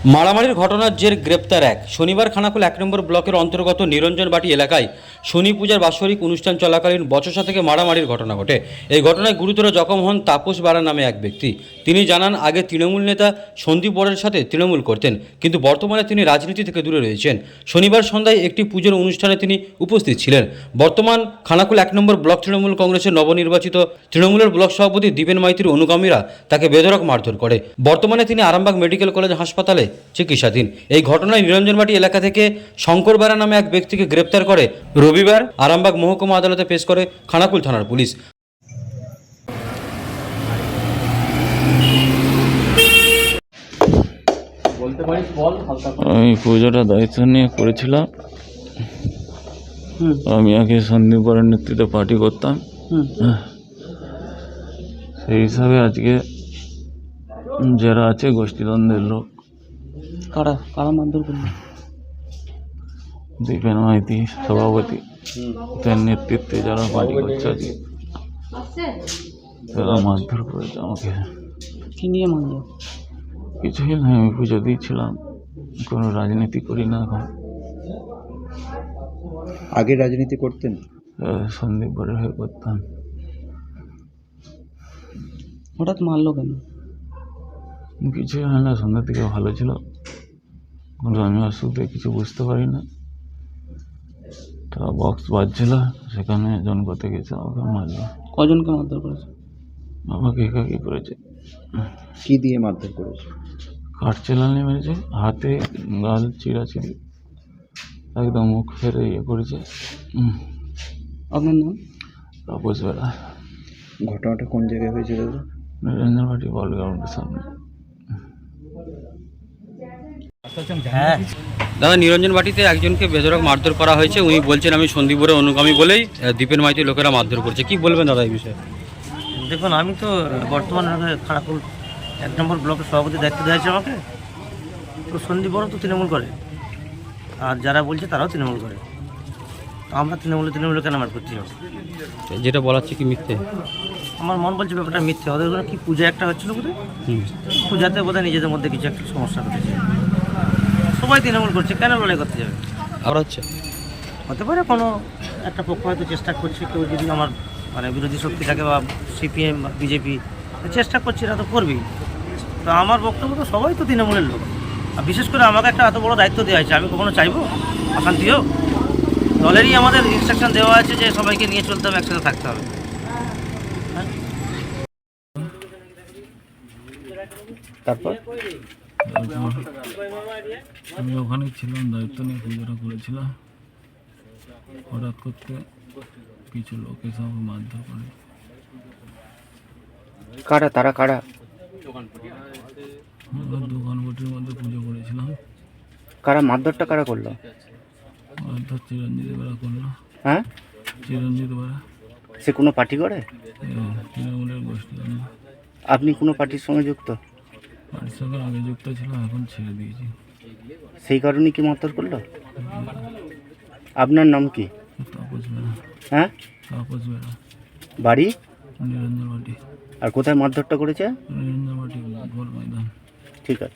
মারামারির ঘটনার জের গ্রেপ্তার এক। শনিবার খানাকুল 1 নম্বর ব্লকের অন্তর্গত নিরঞ্জনবাটি এলাকায় শনি পূজার বাৎসরিক অনুষ্ঠান চলাকালীন বচসা থেকে মারামারির ঘটনা ঘটে। এই ঘটনায় গুরুতর জখম হন তাপস বারা নামে এক ব্যক্তি। তিনি জানান, আগে তৃণমূল নেতা সন্দীপ বরের সাথে তৃণমূল করতেন, কিন্তু বর্তমানে তিনি রাজনীতি থেকে দূরে রয়েছেন। শনিবার সন্ধ্যায় একটি পুজোর অনুষ্ঠানে তিনি উপস্থিত ছিলেন। বর্তমান খানাকুল 1 নম্বর ব্লক তৃণমূল কংগ্রেসের নবনির্বাচিত তৃণমূলের ব্লক সভাপতি দীপেন মাইতির অনুগামীরা তাকে বেধড়ক মারধর করে। বর্তমানে তিনি আরামবাগ মেডিকেল কলেজ হাসপাতালে চিকিৎসাধীন। এই ঘটনায় নিরঞ্জনবাটি এলাকা থেকে শঙ্কর বেরা নামে এক ব্যক্তিকে গ্রেপ্তার করে রবিবার আরামবাগ মহকুমা আদালতে পেশ করে খানাকুল থানার পুলিশ। আমি পুজোটা দায়িত্ব নিয়ে করেছিলাম। আমি আগে সন্দীপ বরের নেতৃত্বে পার্টি করতাম। সেই হিসাবে আজকে যারা আছে গোষ্ঠীদ্বন্দ্বের লোক, কারা মারধর করলো? দীপেন মাইতি সভাপতি, তার নেতৃত্বে যারা পার্টি করছে আজকে তারা মারধর করেছে আমাকে। কি নিয়ে মারলো? কিছুই না, আমি পুজো দিয়েছিলাম, কোনো রাজনীতি করি না এখন। আগে রাজনীতি করতেন? সন্দীপ বরের হয়ে করতাম। হঠাৎ মারলো কেন? কিছুই হয় না, সন্ধ্যা থেকে ভালো ছিল, কিন্তু আমি অসুখে কিছু বুঝতে পারি না। তা বক্স বাজছিল, সেখানে জন করতে গেছে, আমাকে মারলো। কজনকে মারধর করেছে? আমাকে একাকি করেছে। কি দিয়ে মারধর করেছে? কাঠ চেলানি মেরেছে, হাতে গাল চিরাচিরি, একদম মুখ ফেরে ইয়ে করেছে। আপনার নাম? তাপস বেরা। ঘটনাটা কোন জায়গায় হয়েছিল? নিরঞ্জনবাটি বল গ্রাউন্ডের সামনে। দাদা, নিরঞ্জনবাটিতে একজনকে বেধড়ক মারধর করা হয়েছে। উনি বলছেন আমি সন্দীপ বরের অনুগামী বলেই দীপেন মাইতির লোকেরা মারধর করছে। কি বলবেন দাদা এই বিষয়ে? দেখুন, আমি তো বর্তমানে খানাকুল 1 নম্বর ব্লকের সভাপতির দায়িত্ব দেওয়া হয়েছে আমাকে। তো সন্দীপ বড় তো তৃণমূল করে, আর যারা বলছে তারাও তৃণমূল করে। তো আমরা তৃণমূলে কেন আমার করতে হবে? যেটা বলাচ্ছে কি মিথ্যে? আমার মন বলছে ব্যাপারটা মিথ্যে। ওদের ওখানে কি পূজা একটা হচ্ছিল বোধহয়, পূজাতে বোধহয় নিজেদের মধ্যে কিছু একটা সমস্যা ঘটেছে। সবাই তৃণমূল করছে, কেন লড়াই করতে যাবে? আর হচ্ছে হতে পারে কোনো একটা পক্ষ হয়তো চেষ্টা করছে, কেউ যদি আমার বিরোধী শক্তি থাকে বা সিপিএম বা বিজেপি চেষ্টা করছে, এটা তো করবেই। তো আমার বক্তব্য তো সবাই তো তৃণমূলের লোক, আর বিশেষ করে আমাকে একটা এত বড় দায়িত্ব দেওয়া হয়েছে, আমি কখনো চাইবো অশান্তি হোক? দলেরই আমাদের ইনস্ট্রাকশন দেওয়া আছে যে সবাইকে নিয়ে চলতে হবে, একসাথে থাকতে হবে। তারপর আমি ওখানে ছিলাম, দায়িত্ব নিয়ে পুজোটা করেছিলাম। হঠাৎ করতে কিছু লোক এসে আমাকে মারধর করে। তারা কারা? দোকান বটির মধ্যে পুজো করেছিলাম। কারা মারধরটা কারা করলো? মারধর চিরঞ্জিত বেরা করলো। হ্যাঁ, চিরঞ্জিত বেরা। সে কোনো পার্টি করে? তৃণমূলের গোষ্ঠী। আপনি কোনো পার্টির সঙ্গে যুক্ত? পার্টির সঙ্গে আগে যুক্ত ছিলাম, এখন ছেড়ে দিয়েছি। সেই কারণে কি মারধর করলো? আপনার নাম কি? তাপস বেরা। হ্যাঁ, তাপস বেরা। বাড়ি? নিরঞ্জনবাটি। আর কোথায় মারধরটা করেছে? নিরঞ্জনবাটি গোল ময়দান। ঠিক আছে।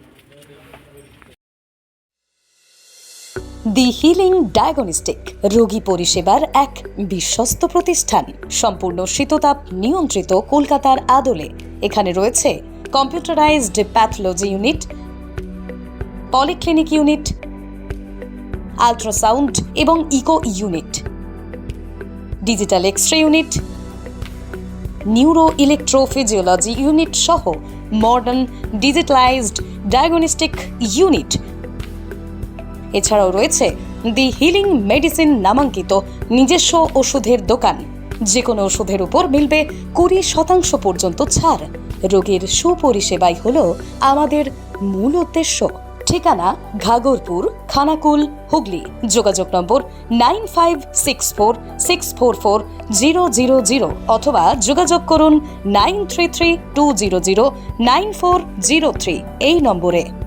দি হিলিং ডায়াগনস্টিক রোগী পরিষেবার এক বিশ্বস্ত প্রতিষ্ঠান, সম্পূর্ণ শীততাপ নিয়ন্ত্রিত, কলকাতার আদলে। এখানে রয়েছে computerised pathology unit, polyclinic unit, ultrasound এবং echo unit, digital X-ray unit, neuro electrophysiology unit সহ মডার্ন ডিজিটালাইজড ডায়াগনস্টিক ইউনিট। এছাড়াও রয়েছে দি হিলিং মেডিসিন নামাঙ্কিত নিজস্ব ওষুধের দোকান। যে কোনো ওষুধের উপর মিলবে 20% পর্যন্ত ছাড়। রোগীর সুপরিষেবাই হল আমাদের মূল উদ্দেশ্য। ঠিকানা ঘাগরপুর, খানাকুল, হুগলি। যোগাযোগ নম্বর 9564644000 অথবা যোগাযোগ করুন 9332009403 এই নম্বরে।